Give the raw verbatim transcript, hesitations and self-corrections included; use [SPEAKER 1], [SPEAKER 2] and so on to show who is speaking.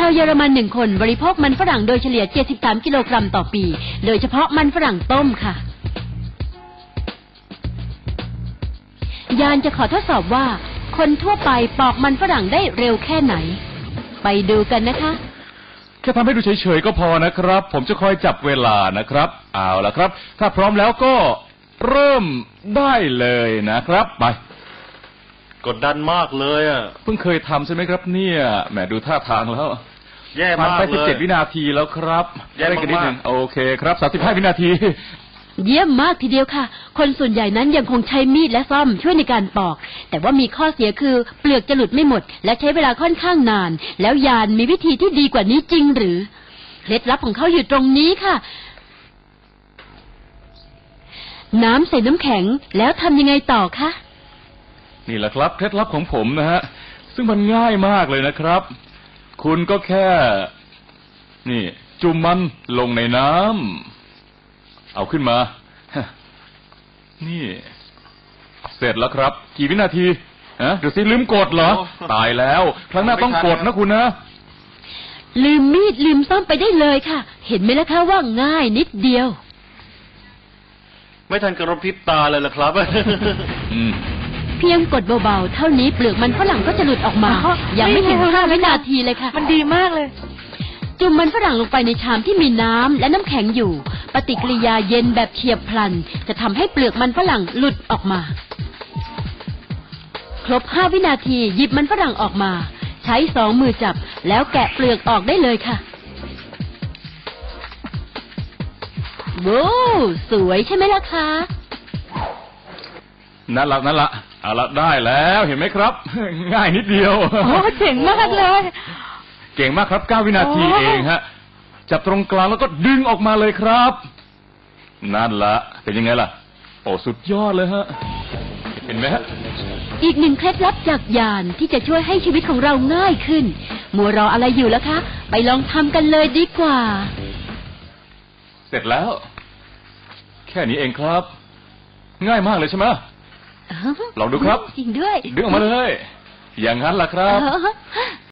[SPEAKER 1] าวเยอรมันหนึ่งคนบริโภคมันฝรั่งโดยเฉลี่ยเจ็ดสิบสามกิโลกรัมต่อปีโดยเฉพาะมันฝรั่งต้มค่ะยานจะขอทดสอบว่าคนทั่วไปปอกมันฝรั่งได้เร็วแค่ไหนไปดูกันนะคะ
[SPEAKER 2] แค่ทำให้ดูเฉยๆก็พอนะครับผมจะคอยจับเวลานะครับเอาล่ะครับถ้าพร้อมแล้วก็เริ่มได้เลยนะครับไป
[SPEAKER 3] กดดันมากเลยอ่ะ
[SPEAKER 2] เพิ่งเคยทำใช่ไหมครับเนี่ยแหมดูท่าทางแล้ว
[SPEAKER 3] แย่มากเลยผ่าน
[SPEAKER 2] ไปสิบเจ็ดวินาทีแล้วครับ
[SPEAKER 3] แย่มาก
[SPEAKER 2] โอเคครับสามสิบห้าวินาที
[SPEAKER 1] เยี่ยมมากทีเดียวค่ะคนส่วนใหญ่นั้นยังคงใช้มีดและซ่อมช่วยในการปอกแต่ว่ามีข้อเสียคือเปลือกจะหลุดไม่หมดและใช้เวลาค่อนข้างนานแล้วยานมีวิธีที่ดีกว่านี้จริงหรือเคล็ดลับของเขาอยู่ตรงนี้ค่ะน้ำใส่น้ำแข็งแล้วทำยังไงต่อคะ
[SPEAKER 2] นี่แหละครับเคล็ดลับของผมนะฮะซึ่งมันง่ายมากเลยนะครับคุณก็แค่นี่จุ่มมันลงในน้ำเอาขึ้นมานี่เสร็จแล้วครับกี่วินาทีฮะเดี๋ยวสิลืมกดเหรอตายแล้วครั้งหน้าต้องกดนะคุณนะ
[SPEAKER 1] ลืมมีดลืมซ่อมไปได้เลยค่ะเห็นไหมล่ะคะว่าง่ายนิดเดียว
[SPEAKER 3] ไม่ทันกระพริบตาเลยล่ะครับ
[SPEAKER 1] เพียงกดเบาๆเท่านี้เปลือกมันฝรั่งก็จะหลุดออกมายังไม่ถึงห้าวินาทีเลยค่ะ
[SPEAKER 4] มันดีมากเลย
[SPEAKER 1] จุ่มมันฝรั่งลงไปในชามที่มีน้ำและน้ำแข็งอยู่ปฏิกิริยาเย็นแบบเฉียบพลันจะทำให้เปลือกมันฝรั่งหลุดออกมาครบห้าวินาทีหยิบมันฝรั่งออกมาใช้สองมือจับแล้วแกะเปลือกออกได้เลยค่ะว้าวสวยใช่ไหมล่ะคะ
[SPEAKER 2] นั่นละนั่นละเอาละได้แล้วเห็นไหมครับง่ายนิดเดียว
[SPEAKER 4] โอ้เจ๋งมากเลย
[SPEAKER 2] เก่งมากครับเก้าวินาทีเองฮะจับตรงกลางแล้วก็ดึงออกมาเลยครับนั่นละเป็นยังไงล่ะโอ้สุดยอดเลยฮะเห็นไหมฮะ
[SPEAKER 1] อีกหนึ่งเคล็ดลับจากยานที่จะช่วยให้ชีวิตของเราง่ายขึ้นมัวรออะไรอยู่แล้วคะไปลองทำกันเลยดีกว่า
[SPEAKER 2] เสร็จแล้วแค่นี้เองครับง่ายมากเลยใช่ไหมลองดูครับ
[SPEAKER 1] จริงด้วย
[SPEAKER 2] ดึงออกมาเลยอย่างนั้นล่ะครับ